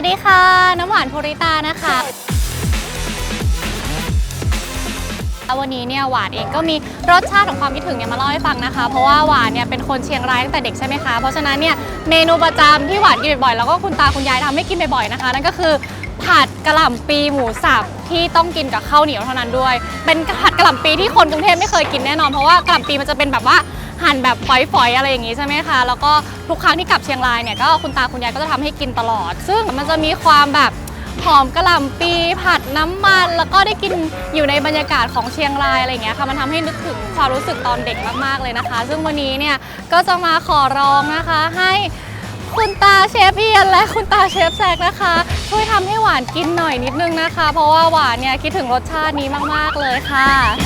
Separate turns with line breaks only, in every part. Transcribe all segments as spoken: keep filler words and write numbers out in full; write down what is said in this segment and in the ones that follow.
สดีค่ะน้ำหวานภูริตานะคะวันนี้เนี่ยหวานเองก็มีรสชาติของความคิดถึงเนี่ยมาเล่าให้ฟังนะคะเพราะว่าหวานเนี่ยเป็นคนเชียงรายตั้งแต่เด็กใช่ไหมคะเพราะฉะนั้นเนี่ยเมนูประจำที่หวานกินบ่อยๆแล้วก็คุณตาคุณยายทำให้กินบ่อยๆนะคะนั่นก็คือผัดกะหล่ำปีหมูสับที่ต้องกินกับข้าวเหนียวเท่านั้นด้วยเป็นผัดกะหล่ำปีที่คนกรุงเทพไม่เคยกินแน่นอนเพราะว่ากะหล่ำปีมันจะเป็นแบบว่าหั่นแบบฝอยๆอะไรอย่างงี้ใช่ไหมคะแล้วก็ทุกครั้งที่กลับเชียงรายเนี่ยก็คุณตาคุณยายก็จะทำให้กินตลอดซึ่งมันจะมีความแบบหอมกะหล่ำปีผัดน้ำมันแล้วก็ได้กินอยู่ในบรรยากาศของเชียงรายอะไรอย่างเงี้ยค่ะมันทำให้นึกถึงความรู้สึกตอนเด็กมากๆเลยนะคะซึ่งวันนี้เนี่ยก็จะมาขอร้องนะคะให้คุณตาเชฟเอียนและคุณตาเชฟแซกนะคะช่วยทำให้หวานกินหน่อยนิดนึงนะคะเพราะว่าหวานเนี่ยคิดถึงรสชาตินี้มากๆเลยค่ะ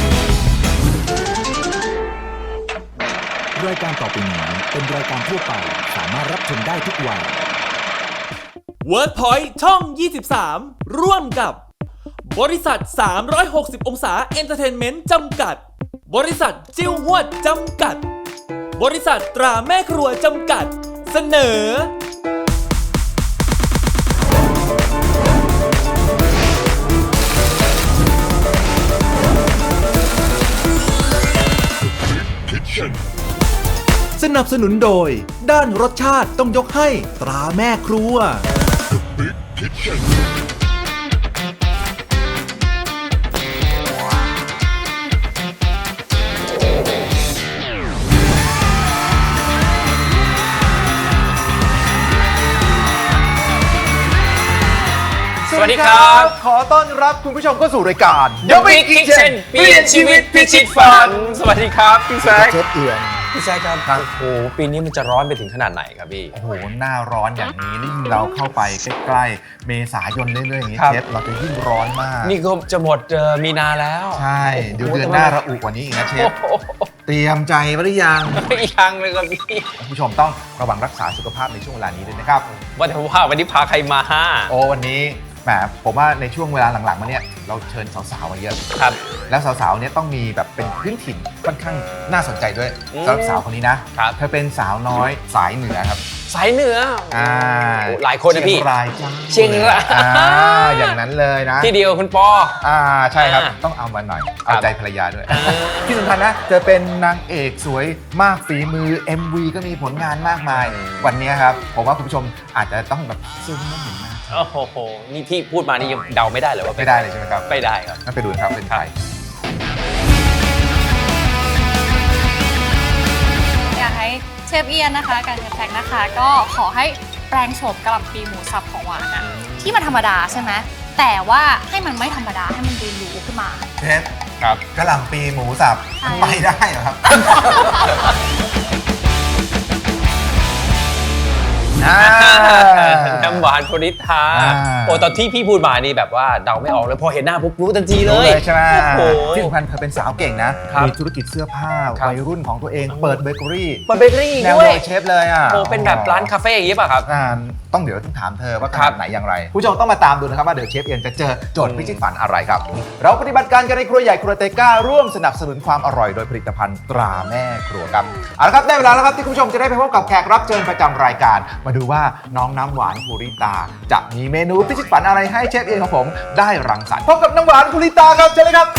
รายการต่อไปนี้เป็นรายการทั่วไปสามารถรับชมได้ทุกวัย
WordPoint ช่อง ยี่สิบสาม ร่วมกับบริษัท สามร้อยหกสิบ องศาเอนเตอร์เทนเมนต์จำกัดบริษัทจิ้วหวดจำกัดบริษัทตราแม่ครัวจำกัดเสนอ
สนับสนุนโดยด้านรสชาติต้องยกให้ตราแม่ครัว
สวัสดีครับ
ขอต้อนรับคุณผู้ชมเข้าสู่รายการ
The Big Kitchen เปลี่ยนชีวิตพิชิตฝันสวัสดีครับพี่แซค
เชฟเอียน
พี่แซคครับโอ้โหปีนี้มันจะร้อนไปถึงขนาดไหนครับพี่
โอ้โหหน้าร้อนอย่างนี้นี่เราเข้าไปใกล้ๆเมษายนเรื่อยๆอย่างนี้
ครับ
เชฟเราจะยิ่งร้อนมาก
นี่ก็จะหมดเอ่อมีนาแล้ว
ใช่เดี๋ยวเดือนหน้าระอุกว่านี้อีกนะเชฟเตรียมใจไว้หรือยัง
ยังเลยครับพี่
คุณผู้ชมต้องระวังรักษาสุขภาพในช่วงเวลานี้ด้วยนะครับ
ว่าแต่ว่าวันนี้พาใครมาห้า
โอ้วันนี้แหมผมว่าในช่วงเวลาหลังๆมาเนี่ยเราเชิญสาวๆมาเยอะ
ครับ
แล้วสาวๆเนี่ยต้องมีแบบเป็นพื้นถิ่นค่อนข้างน่าสนใจด้วย
อืม
สำหรับสาวคนนี้นะครับ เธอเป็นสาวน้อยสายเหนือครับ
สายเหนือ
อ่า
โอ้หลายคนนะพี่
เชียงรายจ้า
เชียงราย
อ่าอย่างนั้นเลยนะ
ที่เดียวคุณปอ
อ่าใช่ครับ
อ่า
ต้องเอามาหน่อย
ครั
เอา
บ
ใจภรรยาด้วย ที่สำคัญนะเธอเป็นนางเอกสวยมากฝีมือ เอ็ม วี ก็มีผลงานมากมาย วันนี้ครับผมว่าคุณผู้ชมอาจจะต้องแบบซูมไม่เห็นหน้า
โอ้โหนี่ที่พูดมานี่ยังเดาไม่ได้เลยว่าป็น
ไม่ได้เลยใช่ไหมครับ
ไม่ได้ครับ
งั้นไปดูนะครับเป็นใคร
อยากให้เชฟเอียนนะคะการเชฟแซกนะคะก็ขอให้แปลงโฉมกะหล่ำปีหมูสับของหวานอะที่มันธรรมดาใช่ไหมแต่ว่าให้มันไม่ธรรมดาให้มันดูหรูขึ้นมา
เชฟ
ครับ
กะหล่ำปีหมูสับ
ใช่
ไปได้เหรอครับ อ่า
น้ำหวานโพริทา
อ่า
โอ้ตอนที่พี่พูดมานี่แบบว่าเดาไม่ออกเลยพอเห็นหน้าปุ๊บรู้ทันทีเล
รู้
ย
เลยใช่ไหม
โอ้โห
ที่สำคัญเธอเป็นสาวเก่งนะ
ครับ
มีธุรกิจเสื้อผ้า
ครับ
วัยรุ่นของตัวเอง เปิดเบเกอรี่
เปิดเบเกอรี่
แนว
ด้ว
โด
ย
ยเชฟเลยอ่ะ
โอ้เป็นแบบร้านคาเฟ่อย่างนี้ป่ะครับ
อ่าต้องเดี๋ยวต้องถามเธอว่าข
ครั
นา
บ
ดไหนอย่างไร ผู้ชมต้องมาตามดูนะครับว่าเดี๋ยวเชฟเอียนจะเจอโจทย์พิชิตฝันอะไรครับ เราปฏิบัติการกันในครัวใหญ่ครัวเตก้าร่วมสนับสนุนความอร่อยโดยผลิตภัณฑ์ตราแม่ครัวครับเอาละครับได้เวลาแล้วครับที่คุณผู้ชมจะได้ไปพบกับแขกรับเชิญประจำรายการ มาดูว่าน้องน้ำหวานภูริตา จะมีเมนูพิชิตฝันอะไรให้เชฟเอียนของผมได้รังสรรค์พบกับน้ำหวานภูริตาครับเชิญเลยครับ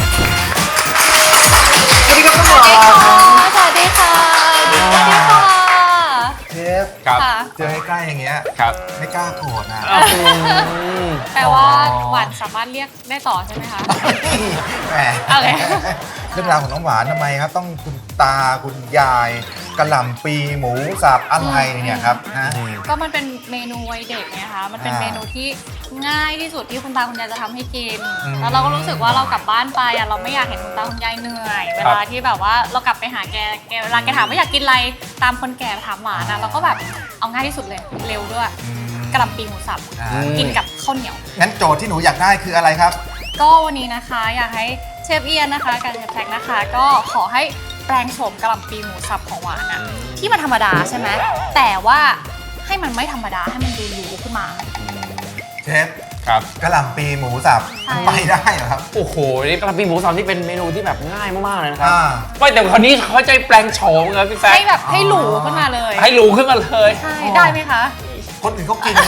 สวัสดีครับน้ำหวาน
สวัสดีค่ะสวัสดีค่ะ
เชฟ
ครับ
ค่ะ
เจอใกล้ๆอย่างเงี้ย
ครับ
ไม่กล้าโกรธนะ
แปลว่าหวานสามารถเรียกได้ต่อใช่ไหมคะ
แหม
โอเค
เรื่องราวของน้องหวานทำไมครับ ต้องคุณตาคุณยายกะหล่ำปีหมูสับอะไรเนี่ยครับฮะ
ก็มันเป็นเมนูวัยเด็กไงคะมันเป็น
อ่า
เมนูที่ง่ายที่สุดที่คุณตาคุณยายจะทำให้กิน
อืม
แล้วเราก็รู้สึกว่าเรากลับบ้านไปอ่ะเราไม่อยากเห็นคุณตาคุณยายเหนื่อย เวลาที่แบบว่าเรากลับไปหาแกแกเวลาแกถามว่าอยากกินอะไรตามคนแก่ถามหวานอ่ะเราก็แบบเอาง่ายที่สุดเลยเร็วด้วย
อืม
กะหล่ำปีหมูสับ
อ่า
กินกับข้าวเหนียว
งั้นโจทย์ที่หนูอยากได้คืออะไรครับ
ก็วันนี้นะคะอยากให้เชฟเอียนนะคะการเชฟแท็กนะคะ ก็ขอให้แปลงโฉมกะหล่ำปีหมูสับของหวานอะที่มันธรรมดาใช่ไหมแต่ว่าให้มันไม่ธรรมดาให้มันดูหรูขึ้นมา
เชฟ
ครับ
กะหล่ำปีหมูสับ
ใช่
ไปได้เหรอครับ
โอ้โห นี่กะหล่ำปีหมูสับนี่เป็นเมนูที่แบบง่ายมากๆเลยนะครับ
อ่า
ไม่แต่คราวนี้เขาใจแปลงโฉมครับพี่แซค
ให้แบบให้หรูขึ้นมาเลย
ให้รู้ขึ้นมาเลย
ใช่ได้ไหมคะ
คนอื่นเขากิน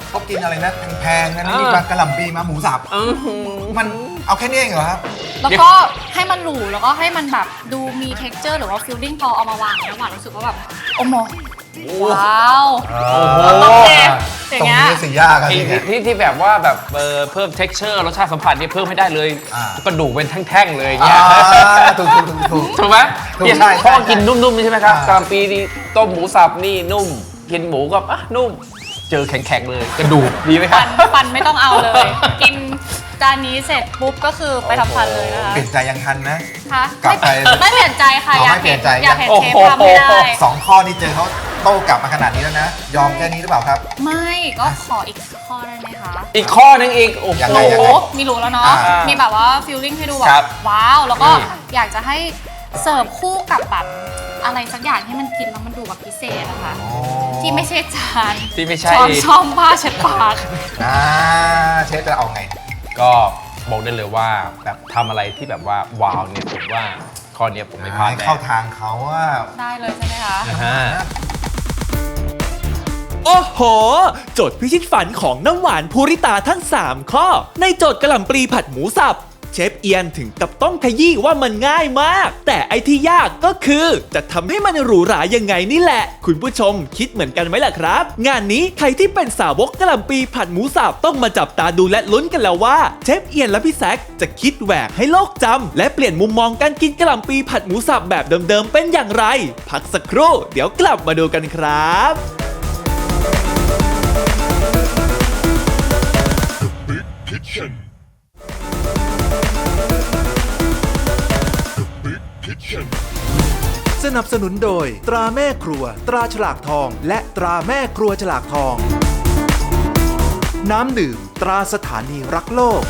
เขากินอะไรนะแพงๆนะนี่ปลากระหล่ำปีมาหมูสับมันเอาแค่นี้เองเหรอครับ
แล้วก็ให้มันหรูแล้วก็ให้มันแบบดูมี texture หรือว่า feeling พอเอามาวางแล้วหวานรู้สึกว่าแบบโอ้โหว้าวโอเคอย่าง
ตรง
เงี้ย
นี้สิยากครับ
ที่
เนี่ย
ที่ที่แบบว่าแบบเออเพิ่ม texture รสชาติสัมผัสนี่เพิ่มให้ได้เลย
อ่า
กระดูกเป็นแท่งๆเลยอย่างเงี้ย
อ่าถูกถูกถูกถูก
ถูกไหม
ถูก
เนี่ย
ใช่ใช่
พ่อกินนุ่มๆนี่ใช่ไหมครับ
อ่า
กะหล่ำปีนี่ต้มหมูสับนี่นุ่ม กินหมูก็อ่ะนุ่ม เจอแข็งๆเลยกระดูกดีไหมครั
ฟั
บ
นฟันไม่ต้องเอาเลย กินจานนี้เสร็จปุ๊บก็คือไปทำฟันเลยนะคะ
เปลี่ยนใจยังทันนะ
คะ
กลับไป
ไม่เปลี่ยนใจค่ะ
อ๋อ
อยาก
ไม่เปลี่
เห็
ย
น
นใจ
อยากเห็น
โอ้
เชฟ
โห
ทำให้ได้
สองข้อนี้เจอเขาโต้กลับมาขนาดนี้แล้วนะ ยอมแค่นี้หรือเปล่าครับ
ไม่ก็ขออีกข้อได้ไหมคะ
อีกข้อนึงอีกโอ้โห
ยังไงยัง
โอ้
ไง
มีรู้แล้วเนาะ
อ่ามี
มีแบบว่าฟิลลิ่งให้ดูแบ
ครับ บ
ว้าว แล้วก็
นี่
อยากจะให้เสิร์ฟคู่กับแบบอะไรสักอย่างที่มันกินแล้วมันดูแบบพิเศษอะค่ะ
โอ้
ที่ไม่ใช่จาน
ที่ไม่ใช่
ช้อนช่อมผ้าเช็ดปาก
อ่าเชฟจะเอาไง
ก็บอกได้เลยว่าแบบทำอะไรที่แบบว่าว้าวเนี่ยผมว่าข้อเนี้ยผมไม่พลาด
ให้
แน่
เข้าทางเขาว่า
ได้เลยใช่ไหมคะ
นะฮะ
โอ้โห โจทย์พิชิตฝันของน้ำหวานภูริตาทั้ง สาม ข้อ ในโจทย์กะหล่ำปลีผัดหมูสับ เชฟเอียนถึงกับต้องขยี้ว่ามันง่ายมาก แต่ไอที่ยากก็คือจะทำให้มันหรูหรายังไงนี่แหละ คุณผู้ชมคิดเหมือนกันไหมล่ะครับ งานนี้ใครที่เป็นสาวกกะหล่ำปลีผัดหมูสับต้องมาจับตาดูและลุ้นกันแล้วว่าเชฟเอียนและพี่แซคจะคิดแหวกให้โลกจำและเปลี่ยนมุมมองการกินกะหล่ำปลีผัดหมูสับแบบเดิมๆเป็นอย่างไร พักสักครู่เดี๋ยวกลับมาดูกันครับ
สนับสนุนโดย ตราแม่ครัว ตราฉลากทอง และตราแม่ครัวฉลากทอง น้ำดื่ม ตราสถานีรักโลก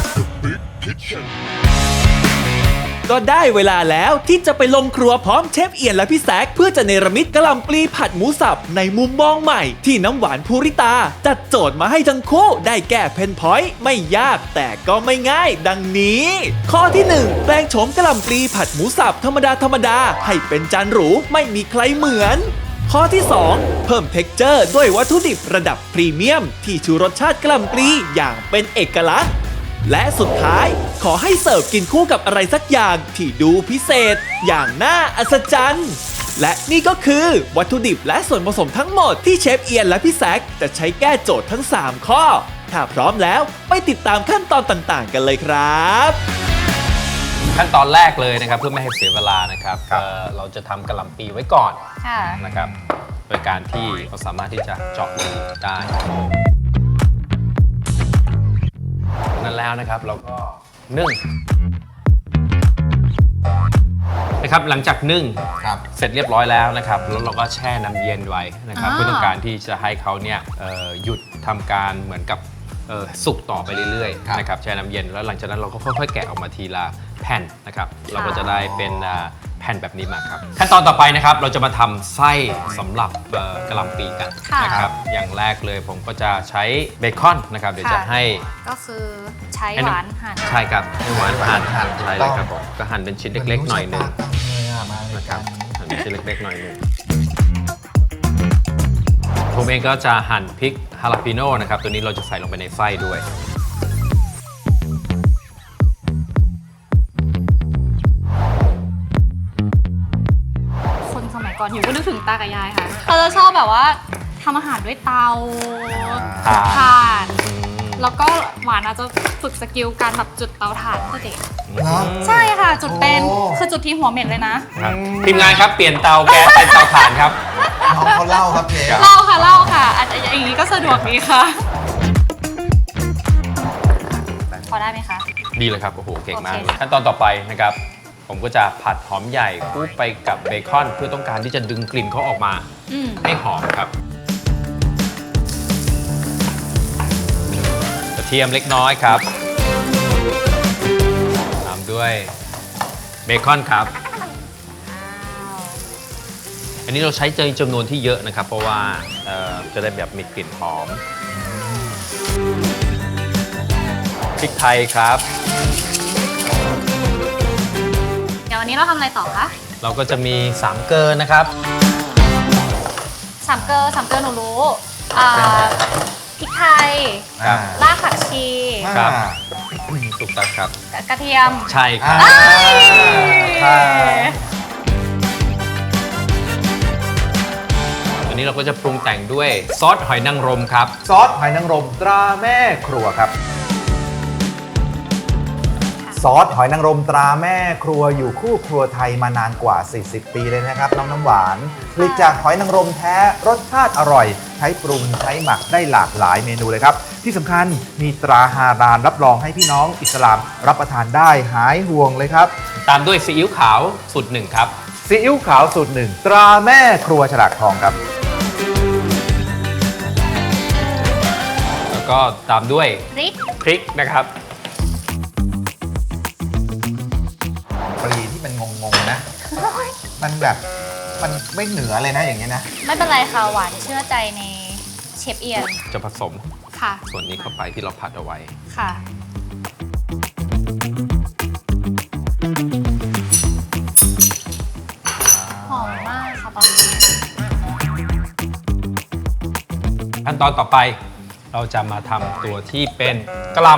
ก็ได้เวลาแล้วที่จะไปลงครัวพร้อมเชฟเอียนและพี่แซคเพื่อจะเนรมิตกะหล่ำปลีผัดหมูสับในมุมมองใหม่ที่น้ำหวานภูริตา จัดโจทย์มาให้ทั้งคู่ได้แก้เพนพอยต์ไม่ยากแต่ก็ไม่ง่ายดังนี้ ข้อที่หนึ่งแปลงโฉมกะหล่ำปลีผัดหมูสับธรรมดาธรรมดาให้เป็นจานหรูไม่มีใครเหมือน ข้อที่สองเพิ่มเท็กเจอร์ด้วยวัตถุดิบระดับพรีเมียม ที่ชูรสชาติกะหล่ำปลีอย่างเป็นเอกลักษณ์ และสุดท้ายขอให้เสิร์ฟกินคู่กับอะไรสักอย่างที่ดูพิเศษ อย่างน่าอัศจรรย์และนี่ก็คือวัตถุดิบและส่วนผสมทั้งหมดที่เชฟเอียนและพี่แซคจะใช้แก้โจทย์ทั้ง สาม ข้อ ถ้าพร้อมแล้วไปติดตามขั้นตอนต่างๆ กันเลยครับ
ขั้นตอนแรกเลยนะครับเพื่อไม่ให้เสียเวลานะครับ
ครับ
เอ่อเราจะทำกะหล่ำปีไว้ก่อน
ค่ะ
นะครับโดยการที่เราสามารถที่จะเจาะรูได้นั้นแล้วนะครับเราก็นึ่งนะครับหลังจากนึ่ง
ครับ
เสร็จเรียบร้อยแล้วนะครับแล้วเราก็แช่น้ำเย็นไว้นะครับ
อ่า
เพื่อต้องการที่จะให้เขาเนี่ยเอ่อหยุดทำการเหมือนกับเอ่อสุกต่อไปเรื่อย
ครับ
ๆนะครับแช่น้ำเย็นแล้วหลังจากนั้นเราก็ค่อยๆแกะออกมาทีละแผ่นนะครับเราก็จะได้เป็นอ่าแผ่นแบบนี้มาครับขั้นตอนต่อไปนะครับเราจะมาทำไส้สำหรับเอ่อกะหล่ำปีกัน
ค่ะ
นะครับอย่างแรกเลยผมก็จะใช้เบคอนนะครับเดี๋ยวจะ
ค่ะ
ให้
ก็คือใช้
ให้
ห
น้ำ
วานหั่น
ใช่ครับให้หวานหั่น
หั่น
ใช่เลยครับผมก็หั่นเป็นชิ้นเล็กๆหน่อยหนึง
มาเลย
นะค
ค
รั
รั
บบ หั่นเป็นชิ้นเล็กๆหน่อยหนึงผมเองก็จะหั่นพริกฮาลาปิโน่นะครับตัวนี้เราจะใส่ลงไปในไส้ด้วย
คนสมัยก่อนหิวก็นึกถึงตากับยายค่ะเขาจะชอบแบบว่าทำอาหารด้วยเตา
ถ่าน
ถ่าน
อืม
แล้วก็หวานอาจจะฝึกสกิลการแบบจุดเตาถ่านตั้งแต่เด็ก
เหรอ
ใช่ค่ะ จุดเป็น
โอ้
คือจุดที่หัวเหม็นเลยนะ
ครับทีมงานครับเปลี่ยนเตาแก๊สเป็นเตาถ่านครับ
น้องเขาเล่าครับเชฟ
เล่าค่ะเล่าค่ะอาจจะอย่างนี้ก็สะดวกดีค่ะ พอได้ไหมคะ
ดีเลยครับโอ้โหเก่งมาก
โอ
เล
เค
ยขั้นตอนต่อไปนะครับ ผมก็จะผัดหอมใหญ่คลุกไปกับเบคอนเพื่อต้องการที่จะดึงกลิ่นเขาออกมา
อืม
ให้หอมครับกระเทียมเล็กน้อยครับตามด้วยเบคอนครับ อันนี้เราใช้เจจำนวนที่เยอะนะครับ เพราะว่าเอ่อจะได้แบบมีกลิ่นหอมพริกไทยครับ
เดี๋ยววันนี้เราทำอะไรต่อคะ
เราก็จะมีสามเกลอนะครับ
สามเกลอสามเกลอหนูรู้อ่าพริกไทย
ครับ
รากผักชี
ครับ
อ่า
ถูกต้องครับ
กระเทียม
ใช่ครับ
อ่าค่ะ
อันนี้เราก็จะปรุงแต่งด้วยซอสหอยนางรมครับ
ซอสหอยนางรมตราแม่ครัวครับ ซอสหอยนางรมตราแม่ครัวอยู่คู่ครัวไทยมานานกว่า สี่สิบ ปีเลยนะครับน้องน้ำหวานผลิตจากหอยนางรมแท้รสชาติอร่อย ใช้ปรุงใช้หมักได้หลากหลายเมนูเลยครับ ที่สำคัญมีตราฮาลาลรับรองให้พี่น้องอิสลามรับประทานได้หายห่วงเลยครับ
ตามด้วยซีอิ๊วขาวสูตรหนึ่งครับ
ซีอิ๊วขาวสูตรหนึ่งตราแม่ครัวฉลากทองครับ
แล้วก็ตามด้วย
พริก
พริกนะครับ
ปรีที่มันงงๆนะ มันแบบมันไม่เหนือเลยนะอย่างเงี้ยนะ
ไม่เป็นไรค่ะหวานเชื่อใจในเชฟเอียน
จะผสม
ค่ะ
ส่วนนี้เข้าไปที่เราผัดเอาไว้
ค่ะ หอมมากค่ะตอนนี้
ขั้นตอนต่อไปเราจะมาทำตัวที่เป็นกะหล่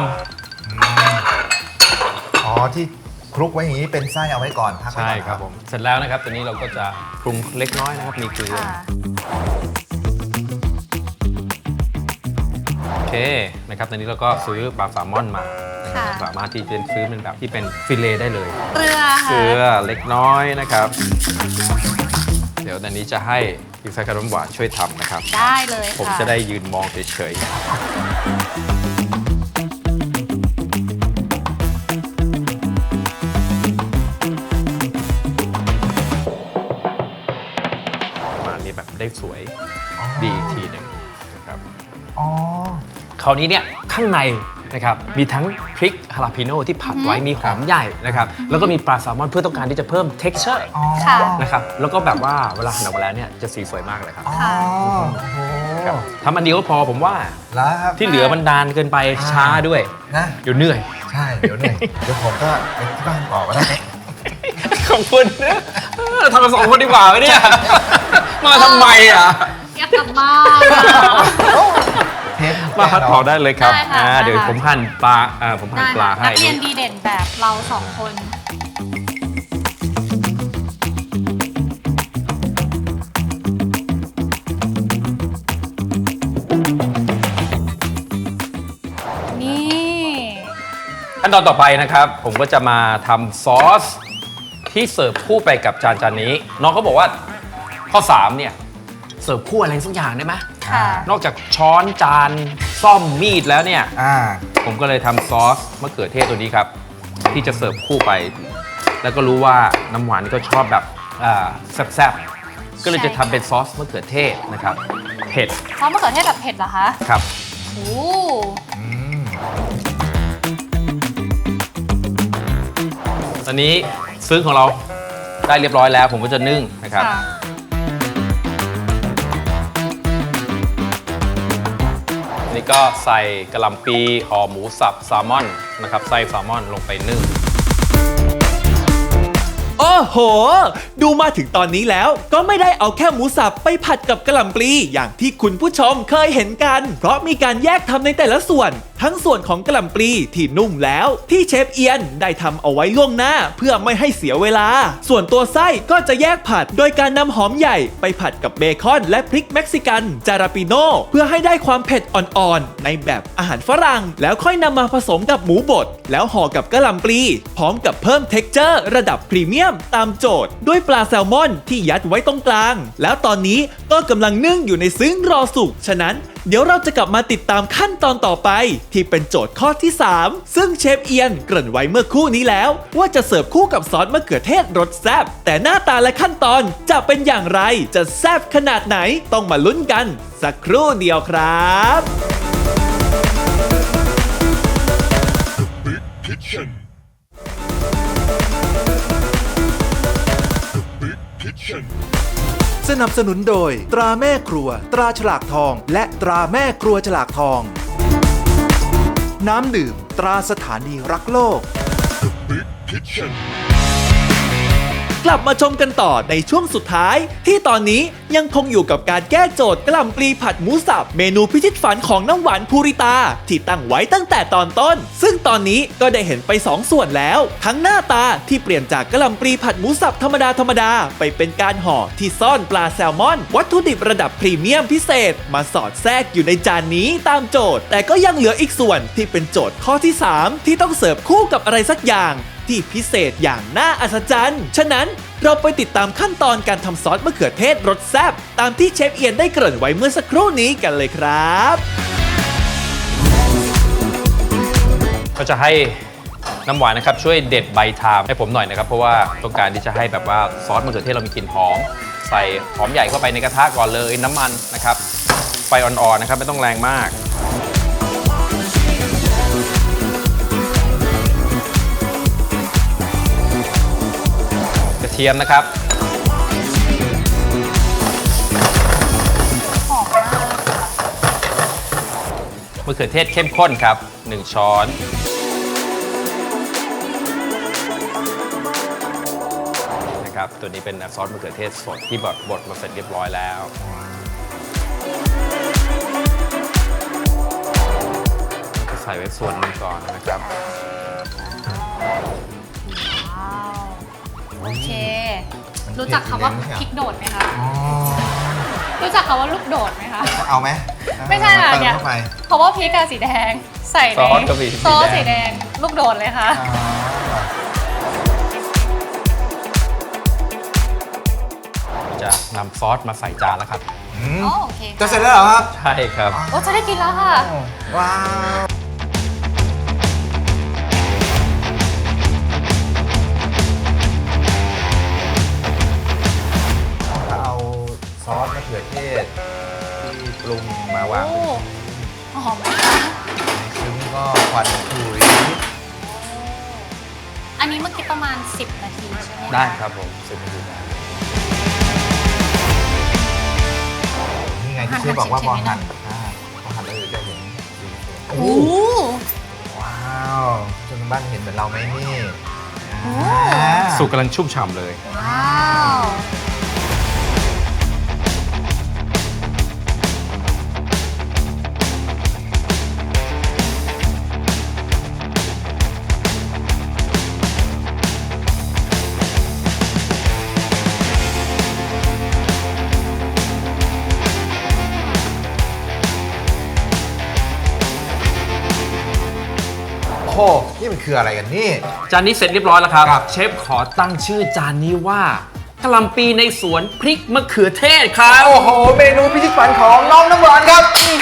อ๋อที่คลุกไว้อย่างนี้เป็นไส้เอาไว้ก่อนพัก
ำ
ไว้
ใช่
ก่อน
ครับผมเสร็จแล้วนะครับตัวนี้เราก็จะปรุงเล็กน้อยนะครับมีเกลือ
ค่ะ
โอเคนะครับตอนนี้เราก็ซื้อปลาแซลมอนมานะครับ
ค่ะ
สามารถที่จะซื้อเป็นแบบที่เป็นฟิเลต์ได้เลย
เกลือ
เก
ค่ะ
ลือเล็กน้อยนะครับ เดี๋ยวตอนนี้จะให้พี่แฟนขนมหวานช่วยทำนะครับ
ได้เลยค่ะ
ผมจะได้ยืนมองเฉยๆประมาณนี้แบบได้สวยดีอีกทีหนึ่งนะครับ
อ๋อ
คราวนี้เนี่ยข้างในนะครับมีทั้งพริกฮาลาพิโน่ที่ผัดไว้มีหอมใหญ่นะครับแล้วก็มีปลาแซลมอนเพื่อต้องการที่จะเพิ่ม texture
อ๋อ
ค่ะ
นะครับแล้วก็แบบว่าเวลาหั่นออกมาแล้วเนี่ยจะสีสวยมากเลยครับ
อ๋อ
ค่ะ
โอ้โห
ครับทำอันเดียวก็พอผมว่า
แล้วครับ
ที่เหลือมันนานเกินไปช้าด้วย
นะ
เดี๋ยวเหนื่อย
ใช่เดี๋ยวหนึ่งเดี๋ยวผมก็ไปที่บ้านต่อก็ได้
ขอบคุณนะเออทำกันสองคนดีกว่าไหมเนี่ย มาทำไมอ่ะ
อยากกลับบ้าน
เทป
มาพัดเผาได้เลยครับ
ได้ค่ะ
อ่า
ได้ค่ะ
เดี๋ยวผมหั่นปลาอ่าผมหั่น
ได้
ปลา
ค่ะ
ให้
นักเรียนดีเด่นแบบเราสองคน นี่
ขั้นตอนต่อไปนะครับ ผมก็จะมาทำซอสที่เสิร์ฟคู่ไปกับจานจานนี้ น้องเขาบอกว่าข้อสามเนี่ยเสิร์ฟคู่อะไรสักอย่างได้ไหม
ค่ะ
นอกจากช้อนจานซ่อมมีดแล้วเนี่ย
อ่า
ผมก็เลยทำซอสมะเขือเทศตัวนี้ครับ ที่จะเสิร์ฟคู่ไป แล้วก็รู้ว่าน้ำหวานก็ชอบแบบอ่าแซ่บๆ ก็เลยจะทำเป็นซอสมะเขือเทศนะครับ เผ็ด
เพราะมะเขือเทศแบบเผ็ดเหรอคะ
ครับ
โอ้
อืม
ตอนนี้ซึ้งของเราได้เรียบร้อยแล้ว ผมก็จะนึ่งนะครับ
ค่ะ
นี่ก็ใส่กระหล่ำปีห่อหมูสับแซลมอนนะครับไส้แซลมอนลงไปนึ่ง
โอ้โห ดูมาถึงตอนนี้แล้วก็ไม่ได้เอาแค่หมูสับไปผัดกับกะหล่ำปลีอย่างที่คุณผู้ชมเคยเห็นกัน เพราะมีการแยกทำในแต่ละส่วน ทั้งส่วนของกะหล่ำปลีที่นุ่มแล้วที่เชฟเอียนได้ทำเอาไว้ล่วงหน้าเพื่อไม่ให้เสียเวลา ส่วนตัวไส้ก็จะแยกผัดโดยการนำหอมใหญ่ไปผัดกับเบคอนและพริกเม็กซิกันจาราปิโนเพื่อให้ได้ความเผ็ดอ่อนๆในแบบอาหารฝรั่ง แล้วค่อยนำมาผสมกับหมูบดแล้วห่อกับกะหล่ำปลีพร้อมกับเพิ่มเท็กเจอร์ระดับพรีเมียมตามโจทย์ด้วยปลาแซลมอนที่ยัดไว้ตรงกลาง แล้วตอนนี้ก็กำลังนึ่งอยู่ในซึ้งรอสุกฉะนั้นเดี๋ยวเราจะกลับมาติดตามขั้นตอนต่อไป ที่เป็นโจทย์ข้อที่ สาม ซึ่งเชฟเอียนเกริ่นไว้เมื่อครู่นี้แล้ว ว่าจะเสิร์ฟคู่กับซอสมะเขือเทศรสแซ่บแต่หน้าตาและขั้นตอนจะเป็นอย่างไรจะแซ่บขนาดไหนต้องมาลุ้นกัน สักครู่เดียวครับ
สนับสนุนโดยตราแม่ครัว ตราฉลากทอง และตราแม่ครัวฉลากทอง น้ำดื่ม ตราสถานีรักโลก
กกลับมาชมกันต่อในช่วงสุดท้าย ที่ตอนนี้ยังคงอยู่กับการแก้โจทย์กะหล่ำปลีผัดหมูสับเมนูพิชิตฝันของน้ำหวานภูริตาที่ตั้งไว้ตั้งแต่ตอนต้น ซึ่งตอนนี้ก็ได้เห็นไปสองส่วนแล้ว ทั้งหน้าตาที่เปลี่ยนจากกะหล่ำปลีผัดหมูสับธรรมดาธรรมดาไปเป็นการห่อที่ซ่อนปลาแซลมอนวัตถุดิบระดับพรีเมียมพิเศษมาสอดแทรกอยู่ในจานนี้ตามโจทย์ แต่ก็ยังเหลืออีกส่วนที่เป็นโจทย์ข้อที่สามที่ต้องเสิร์ฟคู่กับอะไรสักอย่างที่พิเศษอย่างน่าอัศจรรย์ฉะนั้นเราไปติดตามขั้นตอนการทำซอสมะเขือเทศรสแซ่บตามที่เชฟเอียนได้เกริ่นไว้เมื่อสักครู่นี้กันเลยครับ
ก็จะให้น้ำหวานนะครับช่วยเด็ดใบทามให้ผมหน่อยนะครับเพราะว่าต้องการที่จะให้แบบว่าซอสมะเขือเทศเรามีกลิ่นหอมใส่หอมใหญ่เข้าไปในกระทะก่อนเลยน้ำมันนะครับไฟอ่อนๆนะครับไม่ต้องแรงมากกระเทียมนะครับมะเขือเทศเข้มข้นครับหนึ่งช้อนนะครับตัวนี้เป็นซอสมะเขือเทศสดที่บดบดมาเสร็จเรียบร้อยแล้วก็ใส่ไว้ส่วนหนึ่งก่อนนะครับ
โอเครู้จักคำว่าพริกโดดไหมคะรู้จักคำว่าลูกโดดไหมคะ
เอาไหม
ไม่ใช่ค่ะเนี่ยเพราะว่าพริกอะสีแดงใส่ใน
ซอสก็มี
ซอสสีแดงลูกโดดเลยค่ะ
จะนำซอสมาใส่จานแล้วครับ
อ๋อโอเค
จะเสร็จแล้วเหรอครับ
ใช่ครับ
โอ้จะได้กินแล้วค่ะ
ว้าวเอาซอสมะเขือเทศที่ปรุงมาวาง
โอ้หอมไหมคะ
ซึ่งก็ควันคุย
อันนี้เมื่อกี้ประมาณสิบนาทีใช่ไหมคะ
ได้ครับผมสิบนาทีได้
นี่ไงที่เชฟบอกว่าพอหั่นอ่าพอหั่นแล้วเดี๋ยวจะเห็นโอ้
โอ้
ว้าวจนบ้านเห็นเหมือนเราไหมนี่
โอ้
อ่า
สุกกำลังชุ่มฉ่ำเลย
ว้าว
โอ้โหนี่มันคืออะไรกันนี่
จานนี้เสร็จเรียบร้อยแล้วครับ
ครับ
เชฟขอตั้งชื่อจานนี้ว่ากะหล่ำปีในสวนพริกมะเขือเทศครับ
โอ้โห เมนูพิชิตฝันของน้องน้ำหวานครับ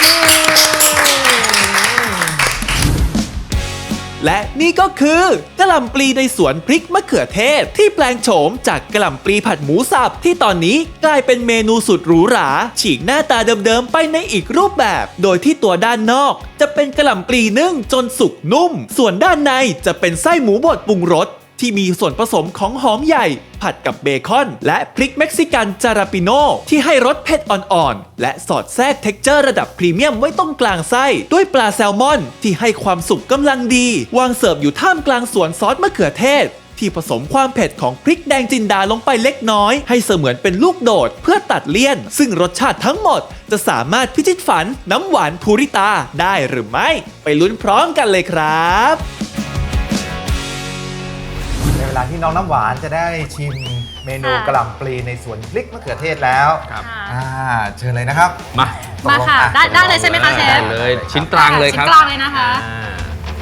และนี่ก็คือกะหล่ำปลีในสวนพริกมะเขือเทศที่แปลงโฉมจากกะหล่ำปลีผัดหมูสับที่ตอนนี้กลายเป็นเมนูสุดหรูหราฉีกหน้าตาเดิมๆไปในอีกรูปแบบ โดยที่ตัวด้านนอกจะเป็นกะหล่ำปลีนึ่งจนสุกนุ่ม ส่วนด้านในจะเป็นไส้หมูบดปรุงรสที่มีส่วนผสมของหอมใหญ่ผัดกับเบคอนและพริกเม็กซิกันจาราปิโนที่ให้รสเผ็ดอ่อนๆและสอดแทรกเท็กเจอร์ระดับพรีเมียมไว้ตรงกลางไส้ด้วยปลาแซลมอนที่ให้ความสุกกำลังดีวางเสิร์ฟอยู่ท่ามกลางสวนซอสมะเขือเทศที่ผสมความเผ็ดของพริกแดงจินดาลงไปเล็กน้อยให้เสมือนเป็นลูกโดดเพื่อตัดเลี่ยนซึ่งรสชาติทั้งหมดจะสามารถพิชิตฝันน้ำหวานภูริตาได้หรือไม่ไปลุ้นพร้อมกันเลยครับ
ในเวลาที่น้องน้ำหวานจะได้ชิมเมนูกะหล่ำปลีในสวนพริกมะเขือเทศแล้ว
ครับ
อ่าเชิญเลยนะครับ
มา
มาค่ะ ได้ได้เลยใช่ไหมคะเช
ได้
ฟ
เลยชิ้นกลางเลยครับ
ชิ้นกลางเลยนะคะ
อ่า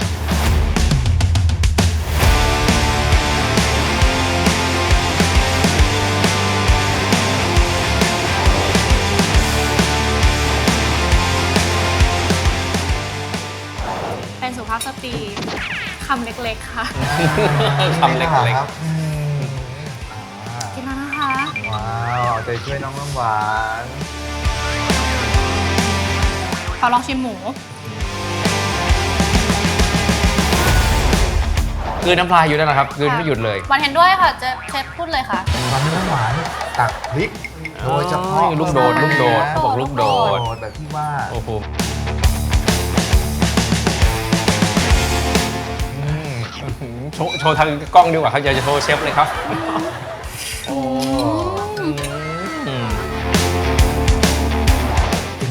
เป็นสุภาพสตรีคำเล็กๆค่ะ
คำเล็ก
ครับอืมอ่า
กินแล้วนะคะ
ว้าวเอาใจช่วยน้องน้ำหวาน
ขอลองชิมหมู
ๆกลืนน้ำลายอยู่นั่นแหละครับกลืนไม่หยุดเลย
หวานเห็นด้วยค่ะเจะเชฟพูดเลยค่ะ
ตอนนี้น้ำหวานตักพริกโดยเฉพาะ
ลูกโดดลูกโดด
นะ
บอกลูกโด
โด
ด
ดแบบที่ว่า
โอ้โห
อืม
โชว์โชว์ทางกล้องดีกว่าครับอยากจะโชว์เชฟเลยครับ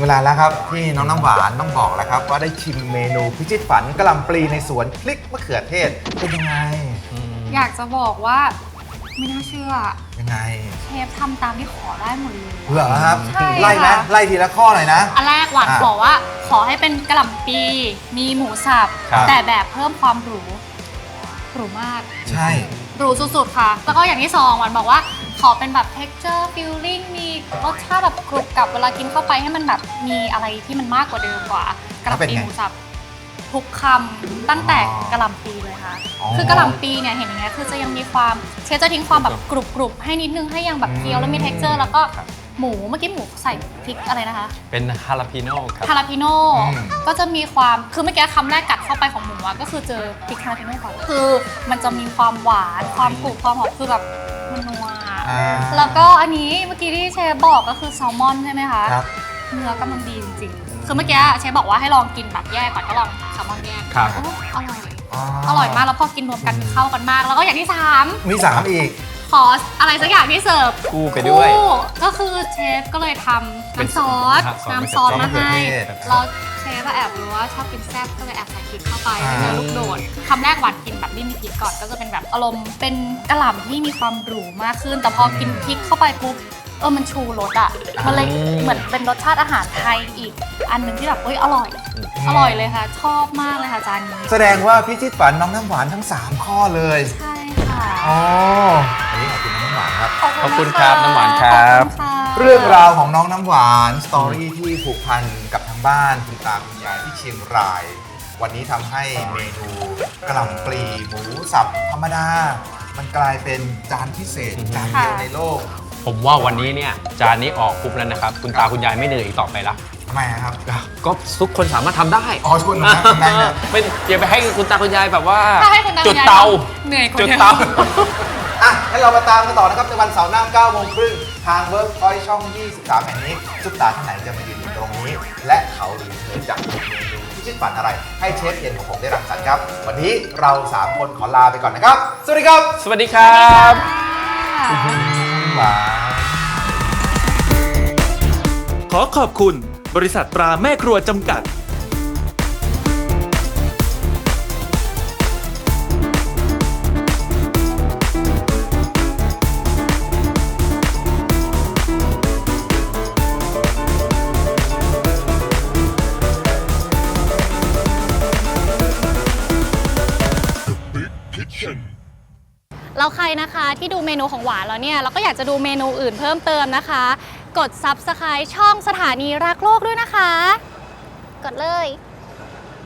เวลาแล้วครับที่น้องน้ำหวานต้องบอกแล้วครับว่าได้ชิมเมนูพิชิตฝันกะหล่ำปลีในสวนพริกมะเขือเทศเป็นยังไง
อยากจะบอกว่าไม่น่าเชื่อ
ยังไง
เชฟทำตามที่ขอได้หมดเลย
เหรอครับ
ใช่ค่ะ
ไล่นะไล่ทีละข้อหน่อยนะ
อันแรกหวาน
อ่ะ
บอกว่าขอให้เป็นกะหล่ำปีมีหมูสับ
ครับ
แต่แบบเพิ่มความหรูหรูมาก
ใช่
หรูสุดๆค่ะ แล้วก็อย่างที่สองหวานบอกว่าขอเป็นแบบ texture feeling มีรสชาติแบบกรุบกรับเวลากินเข้าไปให้มันแบบมีอะไรที่มันมากกว่าเดิมกว่ากะหล่ำปีหมูสับทุกคำตั้งแต่กะหล่ำปีเลยค่ะ คือกะหล่ำปีเนี่ยเห็นอย่างเงี้ยคือจะยังมีความเชฟจะทิ้งความแบบกรุบๆให้นิดนึงให้ยังแบบเคี้ยวแล้วมี texture แล้วก็หมูเมื่อกี้หมูใส่พริกอะไรนะคะ
เป็นฮาลาปิโน่ครับ
ฮาลาปิโน่ก็จะมีความคือเมื่อกี้คำแรกกัดเข้าไปของหมูอะก็คือเจอพริกฮาลาปิโน่ก่อนคือมันจะมีความหวานความกรุบความหอมคือแบบมันนัว
อ่า
แล้วก็อันนี้เมื่อกี้ที่เชฟบอกก็คือแซลมอนใช่ไหมคะ
ครับ
เนื้อกำลังดีจริงๆคือเมื่อกี้เชฟบอกว่าให้ลองกินแบบแยกก่อนก็ลองแซลมอนแยก
ครับ
โอ้อร่อยอร่อยมากแล้วพอกินรวมกันเข้ากันมาก แล้วก็อย่างที่สาม
มีสามอีก
ขออะไรสักอย่างที่เสิร์ฟ
คู่ไปด้วย
คู่ก็คือเชฟก็เลยทำน้ำซอส
เป็น
น้ำซอสมาให้
มะเขือเทศ
เราเชฟอะแอบรู้ว่าชอบกินแซ่บก็เลยแอบใส่พริกเข้าไป
อ่า
ให้เนื้อลูกโดดคำแรกหวานกินแบบไม่มีพริกก่อนก็จะเป็นแบบอารมณ์เป็นกะหล่ำที่มีความหรูมากขึ้น แต่พอกินพริกเข้าไปปุ๊บเออมันชูรสอ่ะมันเลยเหมือนเป็นรสชาติอาหารไทยอีก อันหนึ่งที่แบบเอ้ยอร่อย อร่อยเลยค่ะ ชอบมากเลยค่ะจานนี้
แสดงว่าพิชิตฝันน้องน้ำหวานทั้งสามข้อเลย
ใช่ค่ะ
อ๋ออันนี้ขอบคุณน้องน้ำหวานครับ
ขอบคุณครับน้ำหวานครับ
ขอณค่ะ
เรื่องราวของน้องน้ำหวานสตอรี่ที่ผูกพันกับทางบ้านคุณตาคุณยายที่เชียงราย วันนี้ทำให้เมนูกะหล่ำปลีหมูสับธรรมดา มันกลายเป็นจานพิเศษจานเดียวในโลก
ผมว่าวันนี้เนี่ยจานนี้ออกปุ๊บแล้วนะครับ คุณตาคุณยายไม่เหนื่อยอีกต่อไปละ
ทำไมครับ
ก็ทุกคนสามารถทำได้
อ๋อชวนมาทำได้นะ
ไม่อย่าไปให้คุณตาคุณยายแบบว่า
ถ้าให้คุณตา
จุ
คุ
ด
ณยาย
เตา
เหนื่อยกว่า
จุด
เดิม
เตา
อ่ะงั้นเรามาตามกันต่อนะครับในวันเสาร์หน้าเก้าโมงครึ่งทางเวิร์กพอยต์ช่อง ยี่สิบสาม แห่งนี้ซุปตาท่านไหนจะมายืนอยู่ตรงนี้ และเขาหรือเธอจะมีเมนูพิชิตฝันอะไร ให้เชฟเย็นของผมได้รังสรรค์ครับ วันนี้เราสามคนขอลาไปก่อนนะครับ สวัสดีครับ
สวัสดีครับ
หวาน
ขอขอบคุณบริษัทตราแม่ครัวจำกัด
แล้วใครนะคะที่ดูเมนูของหวานแล้วเนี่ยแล้วก็อยากจะดูเมนูอื่นเพิ่มเติมนะคะ กด ซับสไครบ์ ช่องสถานีรักโลกด้วยนะคะ กดเลย